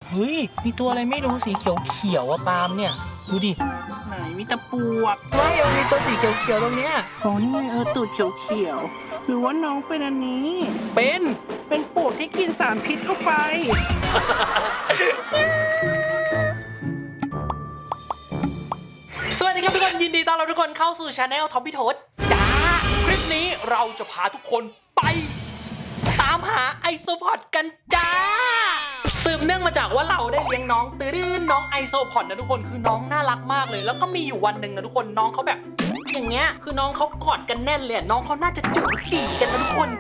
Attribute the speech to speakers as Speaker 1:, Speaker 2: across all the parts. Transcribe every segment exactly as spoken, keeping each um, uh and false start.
Speaker 1: เฮ้ยมีตัวอะไรไม่รู้สีเขียวเขียวอะปาล์มเนี่ยดูดิ
Speaker 2: ไหนมีตะปวก
Speaker 1: ไม่มันมีตัวสีเขียวเขียวตรงเนี้ย
Speaker 2: อ๋อนี่ไงเออตูดเขียวเขียวหรือว่าน้องเป็นอันนี้
Speaker 1: เป็น
Speaker 2: เป็นปวกที่กินสารพิษเข้าไป
Speaker 1: สวัสดีครับทุกคนยินดีต้อนรับทุกคนเข้าสู่ช anel ท็อปปี้โทสจ้าคลิปนี้เราจะพาทุกคนไปตามหาไอโซพอดกันจ้าสืบเนื่องมาจากว่าเราได้เลี้ยงน้องตื้นน้องไอโซพอดนะทุกคนคือน้องน่ารักมากเลยแล้วก็มีอยู่วันหนึ่งนะทุกคนน้องเขาแบบอย่างเงี้ยคือน้องเขากอดกันแน่นเลยน้องเขาน่าจะจู๋จีกันนะทุกคน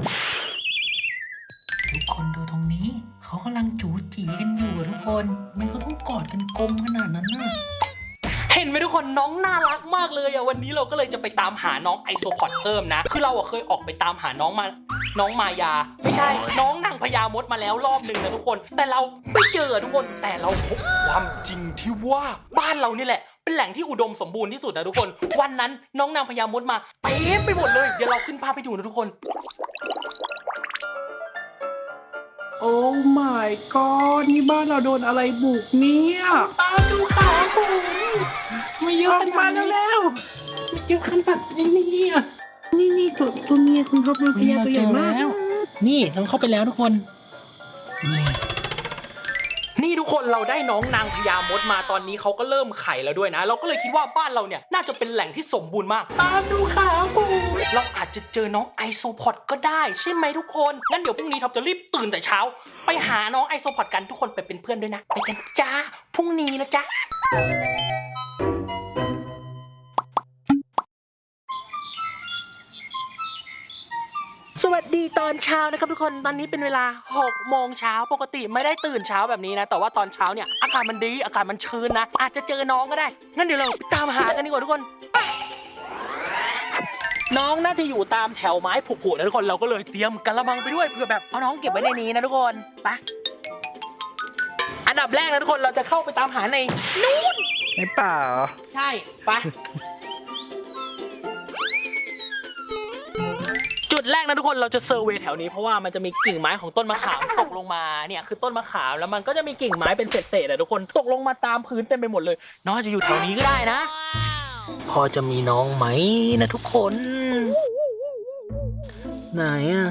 Speaker 1: ทุกคนดูตรงนี้เขากำลังจู๋จีกันอยู่ทุกคนไม่เขาต้องกอดกันกลมขนาดนั้นน่ะเห็นไหมทุกคนน้องน่ารักมากเลยอะวันนี้เราก็เลยจะไปตามหาน้องไอโซพอดเพิ่มนะคือเราอะเคยออกไปตามหาน้องมาน้องมายาไม่ใช่น้องนางพญามดมาแล้วรอบหนึ่งนะทุกคนแต่เราไม่เจอทุกคนแต่เราพบความจริงที่ว่าบ้านเรานี่แหละเป็นแหล่งที่อุดมสมบูรณ์ที่สุดนะทุกคนวันนั้นน้องนางพญามดมาเต็มไปหมดเลยเดี๋ยวเราขึ้นภาพไปดูนะทุกคน
Speaker 2: โอ้ my god นี่บ้านเราโดนอะไรบุกเนี่ย
Speaker 1: ตาดูขาผมไม่เยอะขนาดนี้
Speaker 2: แล้ว
Speaker 1: เยอะขนาดนี้เนี่ย
Speaker 2: นี่นี่ตัวตัวเมียคุณท็อปเป็นพญาตัวใหญ่มาก
Speaker 1: นี่น้องเข้าไปแล้วทุกคนนี่นี่ทุกคนเราได้น้องนางพญามดมาตอนนี้เขาก็เริ่มไข่แล้วด้วยนะเราก็เลยคิดว่าบ้านเราเนี่ยน่าจะเป็นแหล่งที่สมบูรณ์มากตามดูขาผมเราอาจจะเจอน้องไอโซพอดก็ได้ใช่ไหมทุกคนงั้นเดี๋ยวพรุ่งนี้ท็อปจะรีบตื่นแต่เช้าไปหาน้องไอโซพอดกันทุกคนไปเป็นเพื่อนด้วยนะไปกันจ้าพรุ่งนี้นะจ๊ะสวัสดีตอนเช้านะครับทุกคนตอนนี้เป็นเวลาหกโมงเช้าปกติไม่ได้ตื่นเช้าแบบนี้นะแต่ว่าตอนเช้าเนี่ยอากาศมันดีอากาศมันชื้นนะอาจจะเจอน้องก็ได้งั้นเดี๋ยวเราไปตามหากันดีกว่าทุกคนน้องน่าจะอยู่ตามแถวไม้ผุๆนะทุกคนเราก็เลยเตรียมกระมังไปด้วยเพื่อแบบเอาน้องเก็บไว้ในนี้นะทุกคนไปอันดับแรกนะทุกคนเราจะเข้าไปตามหาในนู่น
Speaker 2: ในป่าเหรอ
Speaker 1: ใช่ไปจุดแรกนะทุกคนเราจะเซอร์เวย์แถวนี้เพราะว่ามันจะมีกิ่งไม้ของต้นมะขามตกลงมาเนี่ยคือต้นมะขามแล้วมันก็จะมีกิ่งไม้เป็นเศษๆอะทุกคนตกลงมาตามพื้นเต็มไปหมดเลยน้องจะอยู่แถวนี้ก็ได้นะพอจะมีน้องไหมนะทุกคนไหนอะ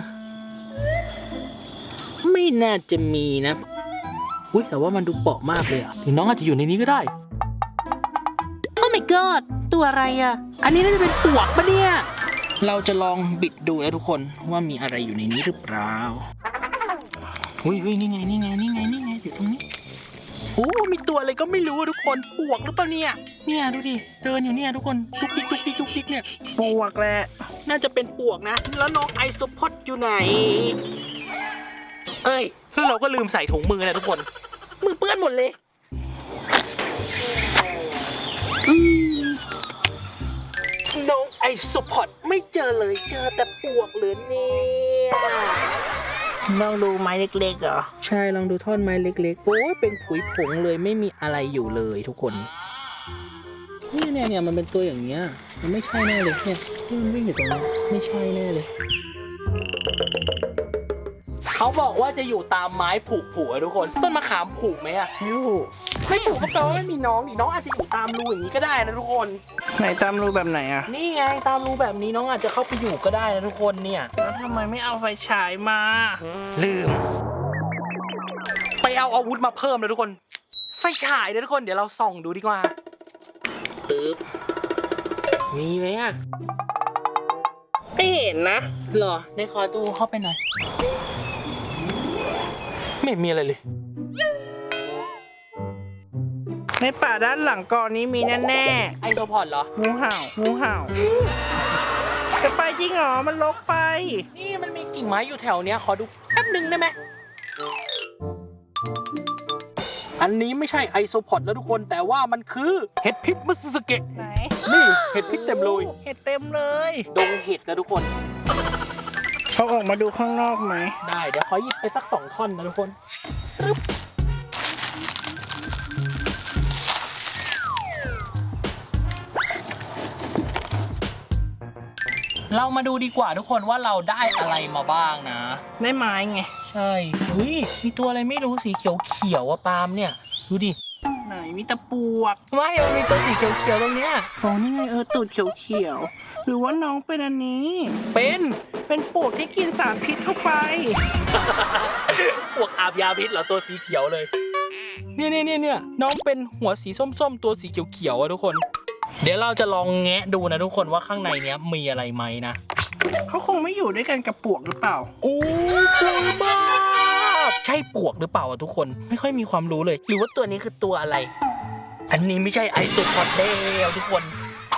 Speaker 1: ไม่น่าจะมีนะอุ้ยแต่ว่ามันดูเปราะมากเลยอะถึงน้องอาจจะอยู่ในนี้ก็ได้โอ้ my god ตัวอะไรอะอันนี้น่าจะเป็นปลวกปะเนี่ยเราจะลองบิดดูนะทุกคนว่ามีอะไรอยู่ในนี้หรือเปล่าอุ้ยอุ้ยนี่ไงนี่ไงนี่ไงนี่ไงอยู่ตรงนี้โอ้มีตัวอะไรก็ไม่รู้ทุกคนปวกหรือเปล่าเนี่ยเนี่ยดูดิเดินอยู่เนี่ยทุกคนทุกทิกทุกทิกทุกทิกเนี่ย
Speaker 2: ปวกแหละ
Speaker 1: น่าจะเป็นปวกนะแล้วน้องไอโซพอดอยู่ไหนเอ้ยแล้วเราก็ลืมใส่ถุงมือนะทุกคนมือเปื้อนหมดเลยน้องไอโซพอดไม่เจอเลยเจอแต่ปวกเหลือเนี่ย
Speaker 2: ลองดูไม้เล็กๆเหรอ
Speaker 1: ใช่ลองดูท่อนไม้เล็กๆโอ้ยเป็นผุยผงเลยไม่มีอะไรอยู่เลยทุกคนนี่เนี่ยเนี่ยมันเป็นตัวอย่างเงี้ยมันไม่ใช่แน่เลยเนี่ยที่มันวิ่งอยู่ตรงนี้ไม่ใช่แน่เลยเขาบอกว่าจะอยู่ตามไม้ผุผุทุกคนต้นมะขามผุไหมอะ
Speaker 2: ไม่ผุ
Speaker 1: ไม่ผุก็แปลว่าไม่มีน้องดิน้องอาจจะอยู่ตามรูอย่างนี้ก็ได้นะทุกคน
Speaker 2: ไหนตามรูแบบไหนอะ
Speaker 1: นี่ไงตามรูแบบนี้น้องอาจจะเข้าไปอยู่ก็ได้นะทุกคนเนี่ย
Speaker 2: แล้วทำไมไม่เอาไฟฉายมา
Speaker 1: ลืมไปเอาอาวุธมาเพิ่มเลยทุกคนไฟฉายนะทุกคนเดี๋ยวเราส่องดูดีกว่าตึ๊บมีไหมอะ
Speaker 2: ไม่เห็นนะ
Speaker 1: หรอในคอตู้เข้าไปหน่อยไม่มีอะไรเลย
Speaker 2: ในป่าด้านหลังกอนี้มีแน่
Speaker 1: ๆไอโซพอดเหรอ
Speaker 2: งูเห่างูเห่าจะไปจริงเหรอมันลกไป
Speaker 1: นี่มันมีกิ่งไม้อยู่แถวเนี้ยขอดูแป๊บหนึ่งได้ไหมอันนี้ไม่ใช่ไอโซพอดแล้วทุกคนแต่ว่ามันคือเห็ดพิษมัตสึสเกะ
Speaker 2: ไหน
Speaker 1: นี่เห็ดพิษเต็มเลย
Speaker 2: เห็ดเต็มเลย
Speaker 1: ดงเห็ดนะทุกคน
Speaker 2: เขาออกมาดูข้างนอกไหม
Speaker 1: ได้เดี๋ยวขอหยิบไปสักสองท่อนนะทุกคนเรามาดูดีกว่าทุกคนว่าเราได้อะไรมาบ้างนะ
Speaker 2: ได้ไม้ไง
Speaker 1: ใช่เฮ้ยมีตัวอะไรไม่รู้สีเขียวเขียวอะปาล์มเนี่ยดูดิ
Speaker 2: ไหนมีตะปวก
Speaker 1: ไม่มันมีตัวสีเขียวเขียวตรงเนี้ย
Speaker 2: อ๋อนี่ไงเออตูดเขียวๆหรือว่าน้องเป็นอันนี้
Speaker 1: เป็น
Speaker 2: เป็นปวกที่กินสารพิษเข้าไป
Speaker 1: พวกอาบยาพิษเหรอตัวสีเขียวเลยเนี่ยเนี่ยเนี่ยเนี่ยน้องเป็นหัวสีส้มๆตัวสีเขียวเขียวอะทุกคน เดี๋ยวเราจะลองแงะดูนะทุกคนว่าข้างในเนี้ยมีอะไรไหมนะ
Speaker 2: เขาคงไม่อยู่ด้วยกันกับปวกหรือเปล่า
Speaker 1: โอ้กลัวมากใช่ปวกหรือเปล่าอะทุกคนไม่ค่อยมีความรู้เลย หรือว่าตัวนี้คือตัวอะไร อันนี้ไม่ใช่ไอโซพอดแล้วทุกคน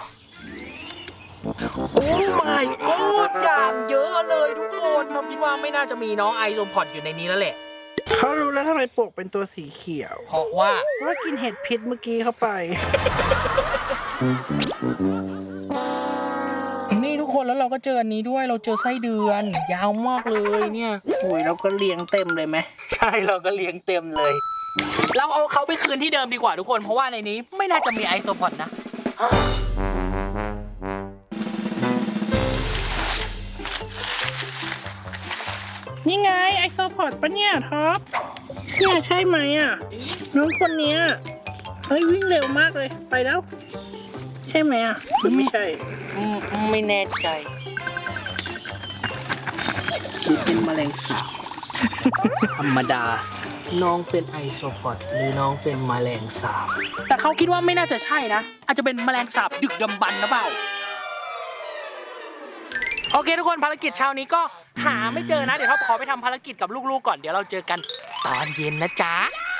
Speaker 1: โอ้ my god อย่างเยอะเลยทุกคนเราคิดว่าไม่น่าจะมีน้องไอโซพอดอยู่ในนี้แล้วแหละ
Speaker 2: เขารู้แล้วทำไมปวกเป็นตัวสีเขียว
Speaker 1: เพราะว่า
Speaker 2: เพราะว่ากินเห็ดพิษเมื่อกี้เข้าไป
Speaker 1: นี่ทุกคนแล้วเราก็เจออันนี้ด้วยเราเจอไส้เดือน ยาวมากเลยเนี่ย
Speaker 2: อุ้ยเราก็เลี้ยงเต็มเลยไหม
Speaker 1: ใช่เราก็เลี้ยงเต็มเลย เราเอาเขาไปคืนที่เดิมดีกว่าทุกคนเพราะว่าในนี้ไม่น่าจะมีไอโซพอดนะ
Speaker 2: นี่ไงไอโซพอดปะเนี่ยท็อปเนี่ยใช่ไหมอ่ะน้องคนเนี้ยเฮ้ยวิ่งเร็วมากเลยไปแล้ว ใช่ไหมอ่ะหรือไม่ใช่
Speaker 1: ไม่แน่ใจ
Speaker 2: หรือเป็นแมลงสาบ
Speaker 1: ธรรมดา น้องเป็นไอโซพอดหรือน้องเป็นแมลงสาบ แต่เขาคิดว่าไม่น่าจะใช่นะ อาจจะเป็นแมลงสาบดึกดำบรรพ์นะเปล่า โอเคทุกคนภารกิจเช้านี้ก็หาไม่เจอนะ เดี๋ยวเขาขอไปทำภารกิจกับลูกๆก่อนเดี๋ยวเราเจอกันตอนเย็นนะจ๊ะ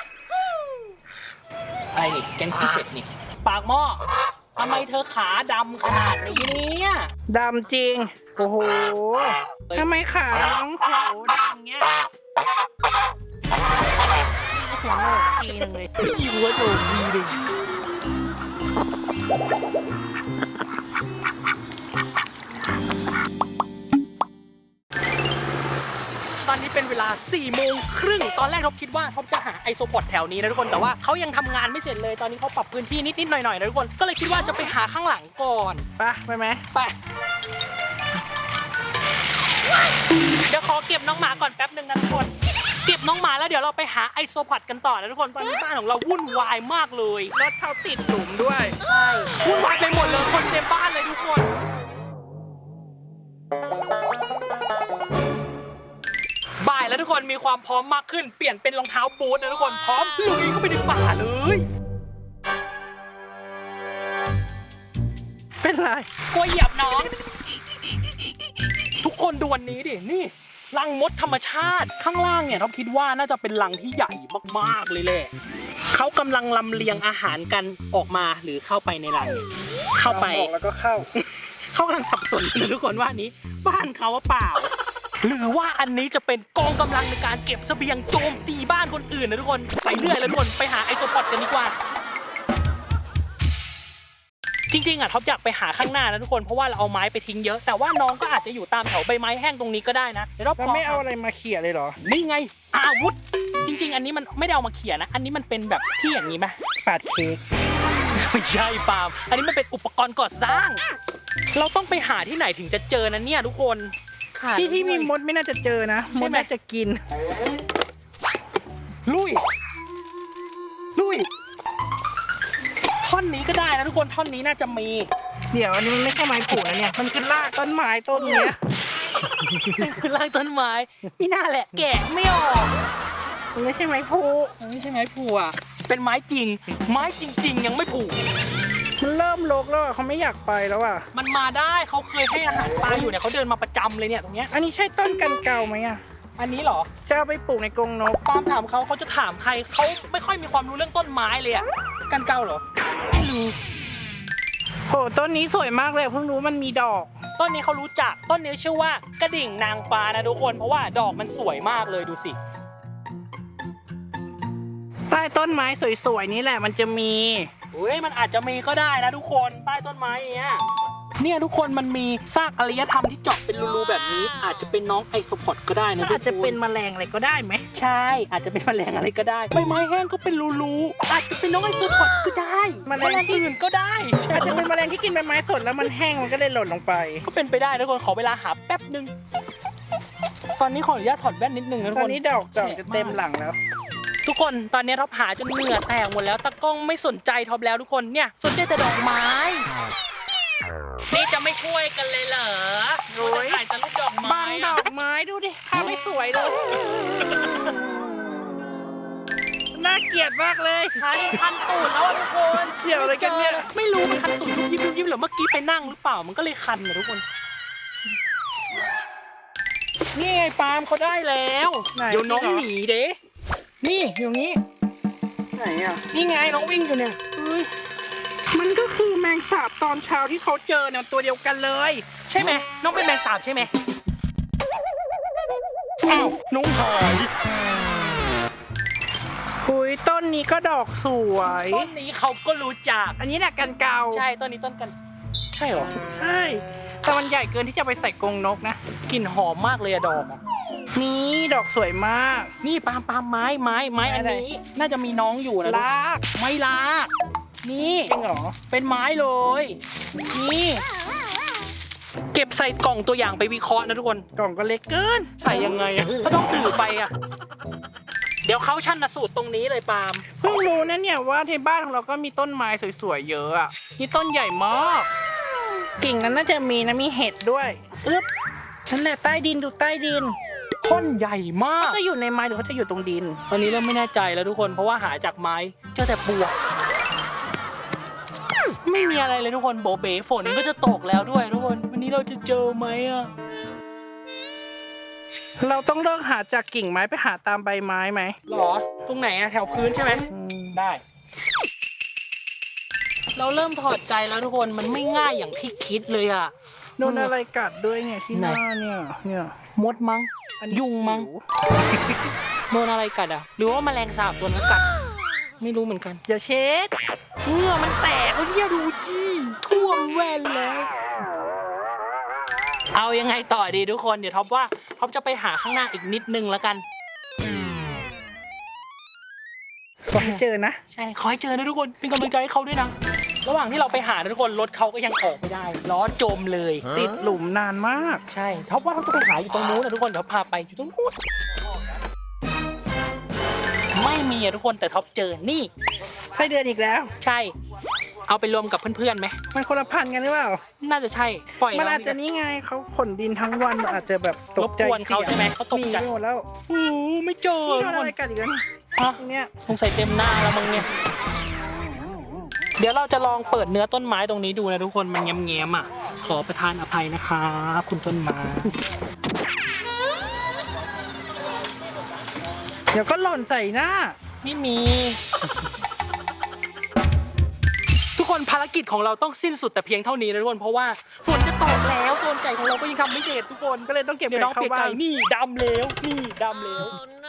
Speaker 1: อะไรนี่แกงขี้เป็ดนี่ปากหม้อทำไมเธอขาดำขนาดนี้เนี่ย
Speaker 2: ดำจริงโอ้โหทำไมขาน้องโหดำเงี้ยหัวโหนกทีนึงเลย
Speaker 1: หัวโดนดีเลยตอนนี้เป็นเวลาสี่โมงครึ่งตอนแรกท็อปคิดว่าท็อปจะหาไอโซพอดแถวนี้นะทุกคนแต่ว่าเขายังทำงานไม่เสร็จเลยตอนนี้เขาปรับพื้นที่นิดๆหน่อยๆนะทุกคนก็เลยคิดว่าจะไปหาข้างหลังก่อน
Speaker 2: ไปไปไหม
Speaker 1: ไปเดี๋ยวขอเก็บน้องหมาก่อนแป๊บหนึ่งนะทุกคนเก็บน้องหมาแล้วเดี๋ยวเราไปหาไอโซพอดกันต่อนะทุกคนตอนนี้บ้านของเราวุ่นวายมากเลย
Speaker 2: รถเขาติดหลุมด้วย
Speaker 1: ใช่วุ่นวายไปหมดเลยคนเต็มบ้านเลยทุกคนบ่ายแล้วทุกคนมีความพร้อมมากขึ้นเปลี่ยนเป็นรองเท้าบูทนะทุกคนพร้อมลุยเข้าไปในป่าเลย
Speaker 2: เป็นไร
Speaker 1: กลัวเหยียบน้องทุกคนดูวันนี้ดินี่รังมดธรรมชาติข้างล่างเนี่ยท็อปคิดว่าน่าจะเป็นรังที่ใหญ่มากๆเลยแหละเขากำลังลำเลียงอาหารกันออกมาหรือเข้าไปในรังเข้าไป
Speaker 2: แล้วก็เข้า
Speaker 1: เขากำลังสับสนเลยทุกคนว่านี้บ้านเขาว่าเปล่าหรือว่าอันนี้จะเป็นกองกำลังในการเก็บเสบียงโจมตีบ้านคนอื่นนะทุกคนไปเรื่อยแล้วทุกคนไปหาไอโซพอดกันดีกว่าจริงๆอ่ะท็อปอยากไปหาข้างหน้านะทุกคนเพราะว่าเราเอาไม้ไปทิ้งเยอะแต่ว่าน้องก็อาจจะอยู่ตามแถวใบไม้แห้งตรงนี้ก็ได้นะเดี๋ยวเรา
Speaker 2: แล้วไม่เอาอะไรมาเขี่ยเลยเหรอ
Speaker 1: นี่ไงอาวุธจริงๆอันนี้มันไม่ได้เอามาเขี่ยนะอันนี้มันเป็นแบบที่อย่างนี้ไหม
Speaker 2: ปาดเค้ก
Speaker 1: ไม่ใช่ปาล์มอันนี้มันเป็นอุปกรณ์ก่อสร้าง เราต้องไปหาที่ไหนถึงจะเจอนะเนี่ยทุกคน
Speaker 2: ที่ที่มีมดไม่น่าจะเจอนะมดน่าจะกิน
Speaker 1: ลุยลุยท่อนนี้ก็ได้นะทุกคนท่อนนี้น่าจะมี
Speaker 2: เดี๋ยวอันนี้มันไม่ใช่ไม้ปลูกนะเนี่ยมันคือรากต้นไม้ต้นเนี้ย
Speaker 1: คือรากต้นไม้ไม่น่าแหละแกะไม่ออก
Speaker 2: มันไม่ใช่ไม้ผู
Speaker 1: มันไม่ใช่ไม้ผูอ่ะเป็นไม้จริง ไม้จริง ๆ ยังไม่ผู
Speaker 2: มันเริ่มรกแล้วอ่ะเขาไม่อยากไปแล้วอ่ะ
Speaker 1: มันมาได้เขาเคยให้อาหารปลาอยู่เนี่ยเขาเดินมาประจำเลยเนี่ยตรงเนี้ย
Speaker 2: อันนี้ใช่ต้นกันเก่าไหมอ่ะ
Speaker 1: อันนี้เหรอ
Speaker 2: จะเอาไปปลูกในกรงนก
Speaker 1: ปาล์มถามเขาเขาจะถามใครเขาไม่ค่อยมีความรู้เรื่องต้นไม้เลยอ่ะกันเก่าเหรอไม่รู้
Speaker 2: โหต้นนี้สวยมากเลยเพิ่งรู้มันมีดอก
Speaker 1: ต้นนี้เขารู้จักต้นนี้ชื่อว่ากระดิ่งนางฟ้านะทุกคนเพราะว่าดอกมันสวยมากเลยดูสิ
Speaker 2: ใต้ต้นไม้สวยๆนี่แหละมันจะมี
Speaker 1: เฮ้ยมันอาจจะมีก็ได้นะทุกคนใต้ต้นไม้เนี้ยเนี่ยทุกคนมันมีซากอารยธรรมที่เจาะเป็นรูๆแบบนี้อาจจะเป็นน้องไอโซพอดก็ได้นะทุกคน
Speaker 2: อาจจะเป็นแมลงอะไรก็ได้ไหม
Speaker 1: ใช่อาจจะเป็นแมลงอะไรก็ได้ใบไม้แห้งก็เป็นรูๆอาจจะเป็นน้องไอโซพอดก็ได้แมลงอื่นก็ได้ใช่
Speaker 2: อาจจะเป็นแมลงที่กินใบไม้สดแล้วมันแห้งมันก็เลยหล่นลงไป
Speaker 1: ก็เป็นไปได้ทุกคนขอเวลาหาแป๊บหนึ่งตอนนี้ขออนุญาตถอดแว่นนิดนึงนะทุก
Speaker 2: ต
Speaker 1: ค
Speaker 2: อน
Speaker 1: น
Speaker 2: นี้ดอกดอกจะเต็มหลังแล้ว
Speaker 1: ทุกคนตอนนี้ท็อปหาจนเหงื่อแตกหมดแล้วตากล้องไม่สนใจท็อปแล้วทุกคนเนี่ยสนใจแต่ดอกไม้นี่จะไม่ช่วยกันเลยเหรอ
Speaker 2: โอ้ย
Speaker 1: ถ่ายแต่รูปดอกไม้
Speaker 2: บางดอกไม้ดูดิภาพไม่สวยเลย น่าเกลียดมากเลย
Speaker 1: คันคันตูดแล้วอะทุกคน
Speaker 2: เกี่ยวอะไรกันเนี่ย
Speaker 1: ไม่รู้มันคันตูดยุบยิบยุบยิบหรือเมื่อกี้ไปนั่งหรือเปล่ามันก็เลยคันนะทุกคนนี่ไงปาล์มเขาได้แล้ว
Speaker 2: ไหน
Speaker 1: เดี๋ยวน้อง
Speaker 2: จริงเหรอ
Speaker 1: หนีเด้นี่อยู่นี้
Speaker 2: ไหนอ่ะ
Speaker 1: นี่ไงน้องวิ่งอยู่เนี่ย
Speaker 2: เฮ้ยมันก็คือแมงสาบตอนเช้าที่เขาเจอเนี่ยตัวเดียวกันเลย
Speaker 1: ใช่ไหมน้องเป็นแมงสาบใช่ไหมอ้าวน้องหาย
Speaker 2: หุยต้นนี้ก็ดอกสวย
Speaker 1: ต้นนี้เขาก็รู้จัก
Speaker 2: อันนี้แหละกันเกา
Speaker 1: ใช่ต้นนี้ต้นกันใช่เหรอ
Speaker 2: ใช่แต่มันใหญ่เกินที่จะไปใส่กรงนกนะ
Speaker 1: กลิ่นหอมมากเลยอะดอกอะ
Speaker 2: นี่ดอกสวยมาก
Speaker 1: นี่ปาล์มปาล์มไม้ไม้ไม้อันนี้ น่าจะมีน้องอยู่นะ
Speaker 2: ลาก
Speaker 1: ไม้ลากนี่
Speaker 2: จริงเหรอ
Speaker 1: เป็นไม้เลย นี่ เก็บใส่กล่องตัวอย่างไปวิเคราะห์นะทุกคน
Speaker 2: กล่องก็เล็กเกิน
Speaker 1: ใส่ยังไงอะก็ต้องถือไปอะเดี๋ยวเขาชันสูตรตรงนี้เลยปาล์ม
Speaker 2: เพิ่งรู้นะเนี่ยว่าที่บ้านของเราก็มีต้นไม้สวยๆเยอะอ่ะนี่ต้นใหญ่มากกิ่งนั้นน่าจะมีนะมีเห็ดด้วยอึ๊บนั่นแหละใต้ดินดูใต้ดิน
Speaker 1: ต้นใหญ่มาก
Speaker 2: เขาจะอยู่ในไม้หรือเขาจะอยู่ตรงดิน
Speaker 1: ตอนนี้เริ่มไม่แน่ใจแล้วทุกคนเพราะว่าหาจากไม้เจอแต่ปลวกไม่มีอะไรเลยทุกคนโบเบ๋ฝนก็จะตกแล้วด้วยทุกคนวันนี้เราจะเจอไหมอะ
Speaker 2: เราต้องเลิกหาจากกิ่งไม้ไปหาตามใบไม้ไหม
Speaker 1: หรอตรงไหนอะแถวพื้นใช่ไหมได้ เราเริ่มถอดใจแล้วทุกคนมันไม่ง่ายอย่างที่คิดเลยอะ
Speaker 2: โดนอะไรกัดด้วยเนี่ยที่หน้าเนี่ยเนี่ย
Speaker 1: มดมั้ง
Speaker 2: อันนี้
Speaker 1: ยุงมั้งโดนอะไรกัดอะหรือว่าแมลงสาบตัวนั้นกัดไม่รู้เหมือนกัน
Speaker 2: อย่าเช็ด
Speaker 1: เหงื่อมันแตกแล้วเนี่ยดูจีท่วมแว่นแล้ว เอายังไงต่อดีทุกคนเดี๋ยวท็อปว่าท็อปจะไปหาข้างหน้าอีกนิดนึงแล้วกัน
Speaker 2: ขอให้เจอนะ
Speaker 1: ใช่ขอให้เจอนะทุกคนเป็นกำลังใจให้เขาด้วยนะระหว่างที่เราไปหานะทุกคนรถเขาก็ยังออกไม่ได้ล้อจมเลย
Speaker 2: ติดหลุมนานมาก
Speaker 1: ใช่ท็อปว่าท็อปจะไปหาอยู่ตรงนู้นนะทุกคนเดี๋ยวพาไปอยู่ตรงนู้นไม่มีอะทุกคนแต่ท็อปเจอนี่
Speaker 2: ไส้เดือนอีกแล้ว
Speaker 1: ใช่เอาไปรวมกับเพื่อนๆไหม
Speaker 2: มันคนละพันธุ์กันหรือเปล่า
Speaker 1: น่าจะใช่ปล่อย
Speaker 2: มัน
Speaker 1: น้
Speaker 2: อาจจะนี่ไงเขาขนดินทั้งวันอาจจะแบบต
Speaker 1: ร
Speaker 2: ก
Speaker 1: บ
Speaker 2: ใจ
Speaker 1: กวนเขาใช่ไหมเขาตก
Speaker 2: หนี
Speaker 1: ใจ
Speaker 2: ไปหมดแล้ว
Speaker 1: โอ้โหไม่เจอ
Speaker 2: นี่โด
Speaker 1: ทุ
Speaker 2: น
Speaker 1: กค
Speaker 2: อะไร
Speaker 1: น
Speaker 2: กัดอีกแล้ว
Speaker 1: ฮะ
Speaker 2: เนี่ย
Speaker 1: สงสัยเต็มหน้าแล้วมึงเนี่ยเดี๋ยวเราจะลองเปิดเนื้อต้นไม้ตรงนี้ดูนะทุกคนมันแง้มๆอ่ะขอประทานอภัยนะครับคุณต้นไม้
Speaker 2: เดี๋ยวก็หล่นใส่หน้า
Speaker 1: ไม่มี ทุกคนภารกิจของเราต้องสิ้นสุดแต่เพียงเท่านี้นะทุกคนเพราะว่าฝนจะตกแล้วโซนไก่ของเราก็ยังทำไม่เสร็จทุกคน
Speaker 2: ก็เลยต้องเก็บ
Speaker 1: เดี๋ยวน้อง
Speaker 2: เข้า
Speaker 1: เปียก
Speaker 2: บ้า
Speaker 1: ไก่
Speaker 2: น
Speaker 1: นี่ดำแล้วนี่ดำแล้ว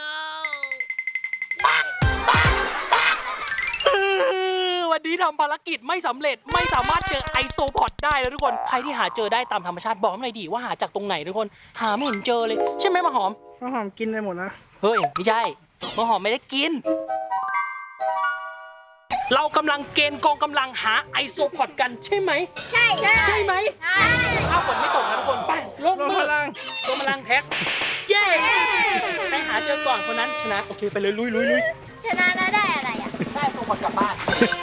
Speaker 1: วันนี้ทำภารกิจไม่สำเร็จไม่สามารถเจอไอโซพอดได้แล้วทุกคนใครที่หาเจอได้ตามธรรมชาติบอกหน่อยดิว่าหาจากตรงไหนทุกคนหาไม่เห็นเจอเลยใช่ไหมมะหอม
Speaker 2: ข้าวหอมกินไปหมดนะ
Speaker 1: เฮ้ยไม่ใช่มะหอมไม่ได้กิน เรากำลังเกณฑ์กองกำลังหาไอโซพอดกันใช่ไหม
Speaker 3: ใช่ใช่
Speaker 1: ใช่ไหมถ้าฝนไม่ตกนะทุกคนไปลง
Speaker 2: ลง
Speaker 1: มือ
Speaker 2: พลัง
Speaker 1: ลงพลังแท็กเย้ใครหาเจอก่อนคนนั้นชนะโอเคไปเลยลุยลุยลุย
Speaker 3: ชนะแล้วได้อะไรอ่ะ
Speaker 1: ได้ไอโซพอดกลับบ้าน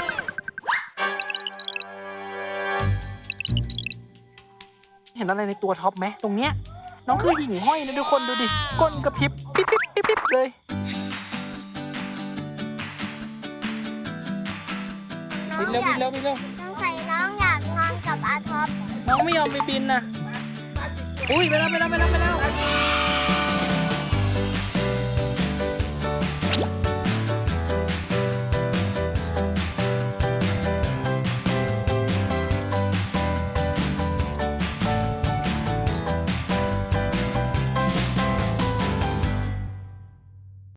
Speaker 1: เห็นอะไรในตัวท็อปไหมตรงเนี้ยน้องคือหิ่งห้อยนะทุกคนดูดิก้นกระพริบปิ๊บปิ๊บปิ๊บปิ๊บเลย
Speaker 3: น้อ
Speaker 1: บิ
Speaker 3: ง
Speaker 1: นเร็ว
Speaker 3: อ
Speaker 1: บิ
Speaker 3: ยาน ก
Speaker 1: เร็วบินเร็ว
Speaker 3: น้องใส่น้องอยากนอนกับอาท็อป
Speaker 1: น้องไม่ยอมไปบินนะอุ้ยไปแล้วไปแล้วไปแล้วไปแล้ว